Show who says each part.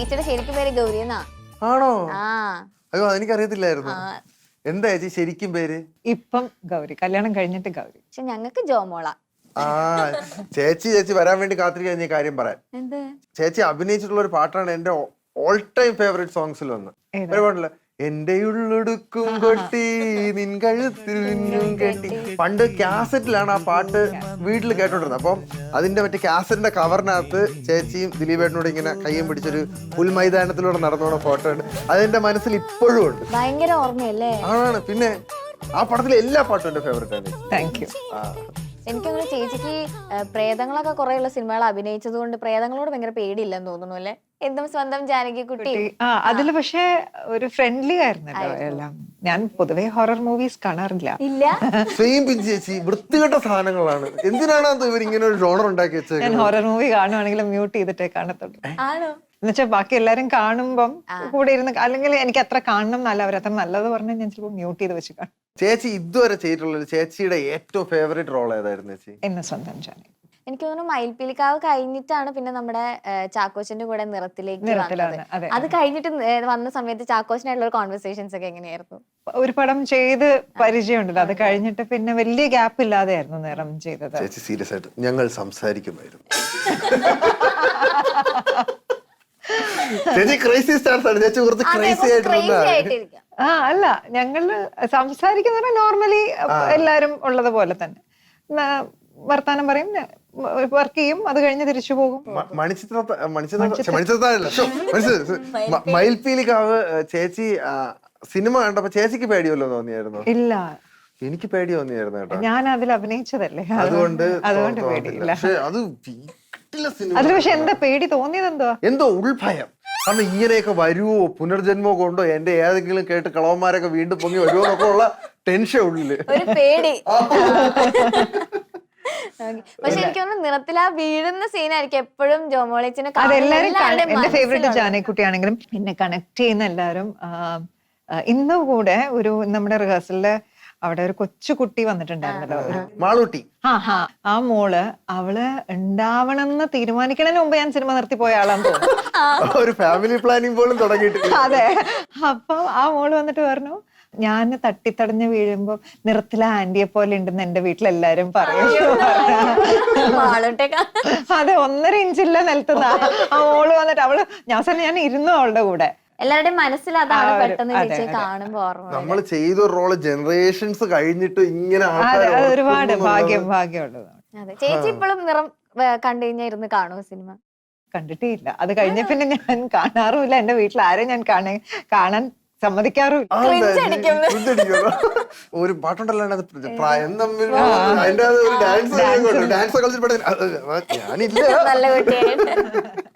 Speaker 1: ചേച്ചിയുടെ ശരിക്കും പേര് ഗൗരി എന്നാ.
Speaker 2: ആണോ?
Speaker 1: ആ
Speaker 2: അയ്യോ അതെനിക്കറിയത്തില്ലായിരുന്നു. എന്താ ചേച്ചി ശരിക്കും പേര്?
Speaker 3: ഇപ്പം ഗൗരി, കല്യാണം കഴിഞ്ഞിട്ട് ഗൗരി.
Speaker 1: പക്ഷെ ഞങ്ങക്ക് ജോമോള.
Speaker 2: ആ ചേച്ചി വരാൻ വേണ്ടി കാത്തിരിക്കാൻ ഈ കാര്യം പറയാൻ.
Speaker 1: എന്ത്?
Speaker 2: ചേച്ചി അഭിനയിച്ചിട്ടുള്ള ഒരു പാട്ടാണ് എന്റെ ഓൾ ടൈം ഫേവറേറ്റ് സോങ്സിൽ ഒന്ന്. ഒരു പാട്ടില്ല, എന്റെ ഉള്ളൊടുക്കും കൊട്ടി നിൻ കഴുത്തിൽ നിന്നും കെട്ടി. പണ്ട് കാസറ്റിലാണ് ആ പാട്ട് വീട്ടിൽ കേട്ടോണ്ടിരുന്നത്. അപ്പം അതിന്റെ മറ്റേ കാസറ്റിന്റെ കവറിനകത്ത് ചേച്ചിയും ദിലീപേട്ടനോട് ഇങ്ങനെ കയ്യും പിടിച്ചൊരു പുൽമൈതാനത്തിലൂടെ നടന്നോണ ഫോട്ടോ ഉണ്ട്. അതെന്റെ മനസ്സിൽ ഇപ്പോഴും ഉണ്ട്.
Speaker 1: ഭയങ്കര ഓർമ്മയല്ലേ?
Speaker 2: ആണ്. പിന്നെ ആ പടത്തിലെ എല്ലാ പാട്ടും എന്റെ ഫേവറേറ്റ് ആണ്.
Speaker 3: Thank you.
Speaker 1: എനിക്കങ്ങനെ ചേച്ചിക്ക് പ്രേതങ്ങളൊക്കെ കുറെ ഉള്ള സിനിമകൾ അഭിനയിച്ചത് കൊണ്ട് പ്രേതങ്ങളോട് ഭയങ്കര പേടിയില്ലെന്ന് തോന്നുന്നു അല്ലെ? എന്തും സ്വന്തം ജാനകി കുട്ടി.
Speaker 3: അതില് പക്ഷെ ഒരു ഫ്രണ്ട്ലി ആയിരുന്നല്ലോ എല്ലാം. ഞാൻ പൊതുവെ ഹൊറർ മൂവീസ് കാണാറില്ല.
Speaker 1: ഇല്ല.
Speaker 2: സെയിം പിഞ്ച് ചേച്ചി, വൃത്തികെട്ട സാധനങ്ങളാണ്. എന്തിനാണ് ഇവർ ഇങ്ങനെ ഒരു ജോണർ ഉണ്ടാക്കി വെച്ചത്?
Speaker 3: ഞാൻ ഹൊറർ മൂവി കാണുവാണെങ്കിൽ മ്യൂട്ട് ചെയ്തിട്ടേ കാണത്തുള്ളൂ.
Speaker 1: ആണോ?
Speaker 3: എന്നുവെച്ചാൽ ബാക്കി എല്ലാരും കാണുമ്പം കൂടെ ഇരുന്ന്, അല്ലെങ്കിൽ എനിക്ക് അത്ര കാണണം എന്നല്ല, അവർ അത്ര നല്ലത് പറഞ്ഞാൽ ഞാൻ ചിലപ്പോൾ മ്യൂട്ട് ചെയ്ത് വെച്ച് കാണും.
Speaker 2: ചേച്ചി ഇതുവരെ ചെയ്തിട്ടുള്ള ചേച്ചിയുടെ ഏറ്റവും ഫേവറേറ്റ് റോൾ ഏതായിരുന്നു ചേച്ചി?
Speaker 3: എന്നെ സ്വന്തം ജാനകി.
Speaker 1: എനിക്ക് തോന്നുന്നു മയിൽപ്പീലിക്കാവ് കഴിഞ്ഞിട്ടാണ് പിന്നെ നമ്മുടെ ചാക്കോച്ചന്റെ കൂടെ നിറത്തിലേക്ക് വന്നത്.
Speaker 3: അതെ.
Speaker 1: അത് കഴിഞ്ഞിട്ട് വന്ന സമയത്ത് ചാക്കോച്ചനായിട്ടുള്ള ഒരു കോൺവെർസേഷൻസ് ഒക്കെ എങ്ങനെയായിരുന്നു?
Speaker 3: ഒരു പടം ചെയ്ത് പരിചയമുണ്ടല്ലോ, അത് കഴിഞ്ഞിട്ട് പിന്നെ വലിയ ഗ്യാപ്പ് ഇല്ലാതെയായിരുന്നു നിറം ചെയ്തത്.
Speaker 2: ചേച്ചി സീരിയസ് ആയിട്ട് ഞങ്ങൾ സംസാരിക്കുമായിരുന്നു. ചേച്ചി ക്രേസി സ്റ്റാർസ് ആണ്. ചേച്ചി കുറച്ച് ക്രേസി ആയിട്ട്.
Speaker 3: അല്ല, ഞങ്ങള് സംസാരിക്കുന്ന നോർമലി എല്ലാരും ഉള്ളത് പോലെ തന്നെ വർത്താനം പറയും, വർക്ക് ചെയ്യും, അത് കഴിഞ്ഞ് തിരിച്ചു പോകും.
Speaker 2: മയിൽപ്പീലിക്കാവ് ചേച്ചി സിനിമ കണ്ടപ്പോ ചേച്ചിക്ക് പേടിയല്ലോ തോന്നിയായിരുന്നു?
Speaker 3: ഇല്ല,
Speaker 2: എനിക്ക് പേടി തോന്നിയായിരുന്നു കേട്ടോ.
Speaker 3: ഞാൻ അതിൽ അഭിനയിച്ചതല്ലേ,
Speaker 2: അതുകൊണ്ട്
Speaker 3: പേടിയില്ല.
Speaker 2: അത്
Speaker 3: അതിൽ പക്ഷെ എന്താ പേടി തോന്നിയത്?
Speaker 2: എന്തോ ഉൾഭയം. കാരണം ഇങ്ങനെയൊക്കെ വരുവോ, പുനർജന്മോ കൊണ്ടോ എന്റെ ഏതെങ്കിലും കേട്ട് കളവന്മാരൊക്കെ വീണ്ടും പൊങ്ങി വരുമോ എന്നൊക്കെ ഉള്ള ടെൻഷൻ ഉള്ളില്,
Speaker 1: ഒരു പേടി. പക്ഷെ എനിക്ക് തോന്നുന്നു നിറത്തിൽ ആ വീഴുന്ന സീനായിരിക്കും എപ്പോഴും ജോമോളേച്ചിനെ.
Speaker 3: അതെല്ലാരും എന്റെ ഫേവറേറ്റ് ജാനകിക്കുട്ടിയാണെങ്കിലും എന്നെ കണക്ട് ചെയ്യുന്ന എല്ലാരും. ഇന്നും കൂടെ ഒരു നമ്മുടെ റിഹേഴ്സലില് അവിടെ ഒരു കൊച്ചു കുട്ടി വന്നിട്ടുണ്ടായിരുന്നല്ലോ, ഒരു
Speaker 2: മാളൂട്ടി.
Speaker 3: ആ മോള്, അവള് ഉണ്ടാവണമെന്ന് തീരുമാനിക്കണതിന് മുമ്പ് ഞാൻ സിനിമ നിർത്തി പോയ ആളാന്ന് തോന്നുന്നു.
Speaker 2: ഒരു ഫാമിലി പ്ലാനിങ് പോലും തുടങ്ങിയിട്ടില്ല.
Speaker 3: അതെ. അപ്പൊ ആ മോള് വന്നിട്ട് പറഞ്ഞു, ഞാൻ തട്ടിത്തടഞ്ഞ് വീഴുമ്പോ നിറത്തിലെ ആന്റിയെ പോലെ ഉണ്ടെന്ന് എന്റെ വീട്ടിലെല്ലാരും പറയും. അതെ, 1.5 ഇഞ്ചില്ല നിലത്തുന്ന ആ മോള് വന്നിട്ട് അവള് ഞാൻ ഇരുന്നു അവളുടെ കൂടെ.
Speaker 1: എല്ലാവരുടെയും മനസ്സിൽ അതാണ് പെട്ടെന്ന് ചേച്ചി കാണുമ്പോ ഓർമ്മ.
Speaker 2: നമ്മൾ ചെയ്ത റോള് ജനറേഷൻസ് കഴിഞ്ഞിട്ട് ഇങ്ങനെ
Speaker 3: ഒരുപാട് ഭാഗ്യമുള്ളതാണ്.
Speaker 1: അതെ. ചേച്ചി ഇപ്പോഴും നിറം കണ്ടു കഴിഞ്ഞാൽ ഇരുന്ന് കാണുമോ സിനിമ?
Speaker 3: കണ്ടിട്ടേ ഇല്ല. അത് കഴിഞ്ഞ പിന്നെ ഞാൻ കാണാറുമില്ല. എന്റെ വീട്ടിൽ ആരെയും ഞാൻ കാണാൻ സമ്മതിക്കാറുമില്ല.
Speaker 2: ഒരു പാട്ടുണ്ടല്ലോ പ്രായം തമ്മിൽ അതിന്റെ ഡാൻസ് കളിച്ചിട്ട് ഞാനില്ല.
Speaker 1: നല്ല കുട്ടിയായിട്ട്